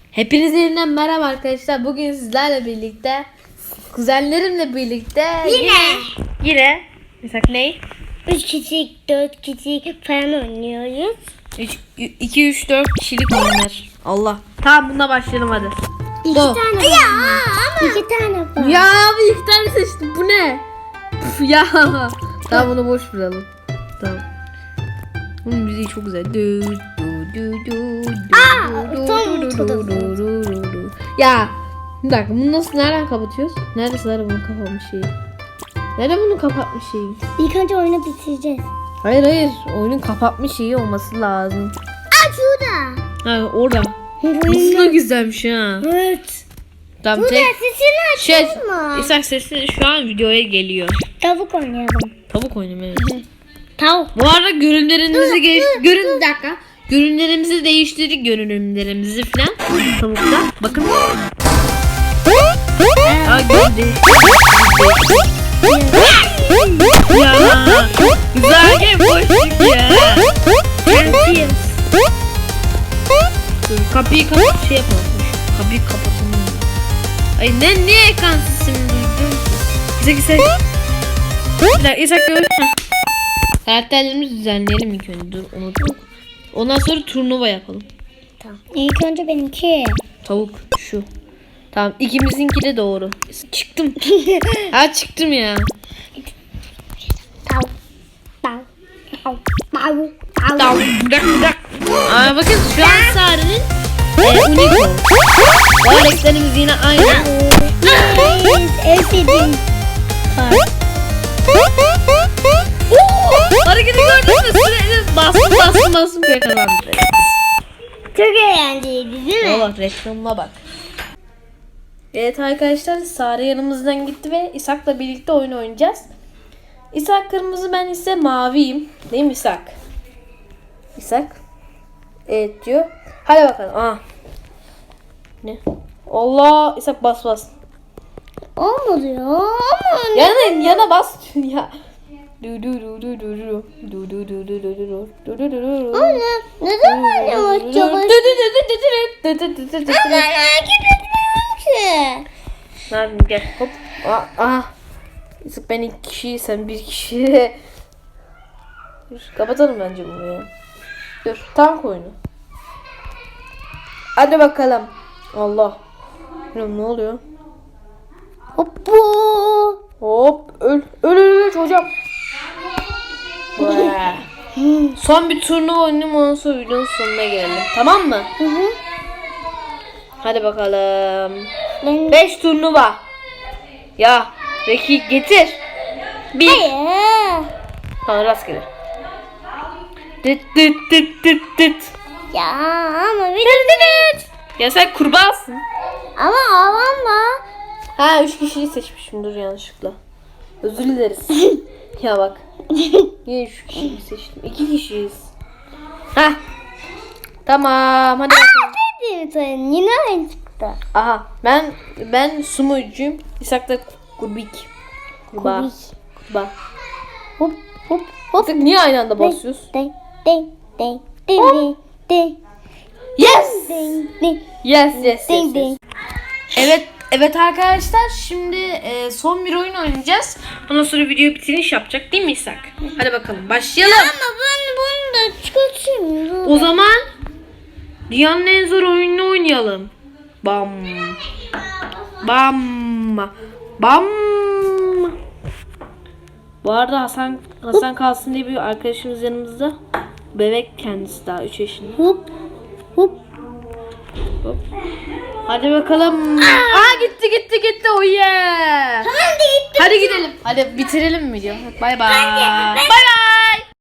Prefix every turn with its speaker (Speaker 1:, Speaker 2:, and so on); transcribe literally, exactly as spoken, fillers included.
Speaker 1: Hepinize yeniden merhaba arkadaşlar. Bugün sizlerle birlikte, kuzenlerimle birlikte
Speaker 2: Yine.
Speaker 1: Yine. Mesela ne?
Speaker 2: üç kişilik, dört kişilik falan oynuyoruz.
Speaker 1: iki, üç, dört kişilik oyunlar. Allah. Tamam, buna başlayalım hadi.
Speaker 2: İki
Speaker 1: Go.
Speaker 2: tane ya, ama. İki tane var.
Speaker 1: Ya abi iki tane seçtim. Bu ne? Puf, ya. Tamam, bunu boş bırakalım. Tamam. Bunun müziği çok güzel. Du, du, du, du, du,
Speaker 2: Aa,
Speaker 1: du,
Speaker 2: son
Speaker 1: du,
Speaker 2: çok
Speaker 1: du, du, du, du, du. Ya bir dakika, bunu nasıl, nereden kapatıyoruz? Neresi var bunun kapatmış şeyi? Nerede bunun kapatmış şeyi?
Speaker 2: İlk önce oyunu bitireceğiz.
Speaker 1: Hayır hayır, oyunun kapatmış şeyi olması lazım.
Speaker 2: Aa, şurada.
Speaker 1: Ha, orada. Nasıl da güzelmiş ha.
Speaker 2: Evet.
Speaker 1: Tamam,
Speaker 2: Burada
Speaker 1: tek
Speaker 2: sesini
Speaker 1: şey.
Speaker 2: açtın mı?
Speaker 1: İshak sesi şu an videoya geliyor.
Speaker 2: Tavuk oynayalım.
Speaker 1: Tavuk oyunu evet.
Speaker 2: Tavuk.
Speaker 1: Bu arada görünlerimizi geç görün bir dakika. Görünlerimizi değiştirdik, görünümlerimizi falan. Tavukta. Bakın. Aa, gördüm. Ya güzel game boşluk ya.
Speaker 2: Yapıyoruz.
Speaker 1: Kapıyı kapat, şey yapalım. Kapıyı kapatalım. Ay ne niye ekransız şimdi duydun? İshak İshak. Bir dakika İshak gör. Karakterlerimizi düzenleyelim ilk önce. Dur, unuttuk. Ondan sonra turnuva yapalım.
Speaker 2: Tamam. İlk önce benimki.
Speaker 1: Tavuk şu. Tamam, ikimizinki de doğru. Çıktım. Ha, çıktım ya.
Speaker 2: Tavuk. Tavuk. Tavuk. Tavuk.
Speaker 1: Tamam. Bir dakika bir dakika. Aa, bakın şu an Sare'nin e, Unico. Bu renklerimiz yine aynı.
Speaker 2: Yes. En sevdiğim.
Speaker 1: Hareketi gördün mü? Sürekli bastım bastım bastım diye kazandı.
Speaker 2: Çok eğlenceliydi değil mi?
Speaker 1: Valla reklamına bak. Evet arkadaşlar, Sare yanımızdan gitti ve İshak'la birlikte oyun oynayacağız. İshak kırmızı, ben ise maviyim. Değil mi İshak? İshak. Evet diyor. Hadi bakalım. Aa. Ne? Allah, İshak bas bas.
Speaker 2: Olmadı ya. Aman.
Speaker 1: Yana yana bas ya. Du du du du du du du du du du du du du du du du.
Speaker 2: Anne, neden ben yavaş yavaş? Ama hareket etmiyorum ki.
Speaker 1: Nermin gel hop. Aa, aa. Yusuf, ben iki kişi, sen bir kişi. Dur, kapatalım bence bunu ya. Dur, tank oyunu. Hadi bakalım. Allah. Bilmiyorum, ne oluyor?
Speaker 2: Hoppo.
Speaker 1: Hop, öl öl öl, öl hocam. Vaa. Son bir turnuva oynayayım, ondan sonra videonun sonuna gelelim. Tamam mı?
Speaker 2: Hı hı.
Speaker 1: Hadi bakalım.
Speaker 2: Ben...
Speaker 1: beş turnuva. Ya Reki getir. Bir.
Speaker 2: Hayır.
Speaker 1: Tamam, rastgele. Dıt dıt dıt dıt dıt.
Speaker 2: Ya ama bir de
Speaker 1: Ya sen kurbağasın.
Speaker 2: ama avama.
Speaker 1: Ha, üç kişiyi seçmişim, dur yanlışlıkla. Özür dileriz. Ya bak. Niye üç kişiyi seçtim? İki kişiyiz. Hah. Tamam, hadi bakalım.
Speaker 2: Dedim sana yine aynı çıktı.
Speaker 1: Aha, ben ben sumucuyum. İshak da kurbik. Kurbağa.
Speaker 2: Kurbik.
Speaker 1: Kurbağa.
Speaker 2: Hop hop hop.
Speaker 1: Artık niye aynı anda basıyoruz?
Speaker 2: Ding ding ding ding ding ding
Speaker 1: Yes.
Speaker 2: ding ding
Speaker 1: Yes, yes, yes,
Speaker 2: ding
Speaker 1: yes.
Speaker 2: ding.
Speaker 1: Evet, evet arkadaşlar, şimdi e, son bir oyun oynayacağız. Ondan sonra video bitiriş yapacak değil mi İshak? Hadi bakalım başlayalım.
Speaker 2: Ama ben bunu da çıkartayım.
Speaker 1: O zaman dünyanın en zor oyununu oynayalım. Bam. Bam. Bam. Bu arada Hasan Hasan kalsın diye bir arkadaşımız yanımızda. Bebek kendisi, daha üç yaşında.
Speaker 2: Hop hop.
Speaker 1: Hop. Hadi bakalım. Aa, gitti gitti gitti. Oh yeah.
Speaker 2: Hadi gitti.
Speaker 1: Hadi gidelim. Hadi bitirelim mi diyor. Bay bay. Bay bay.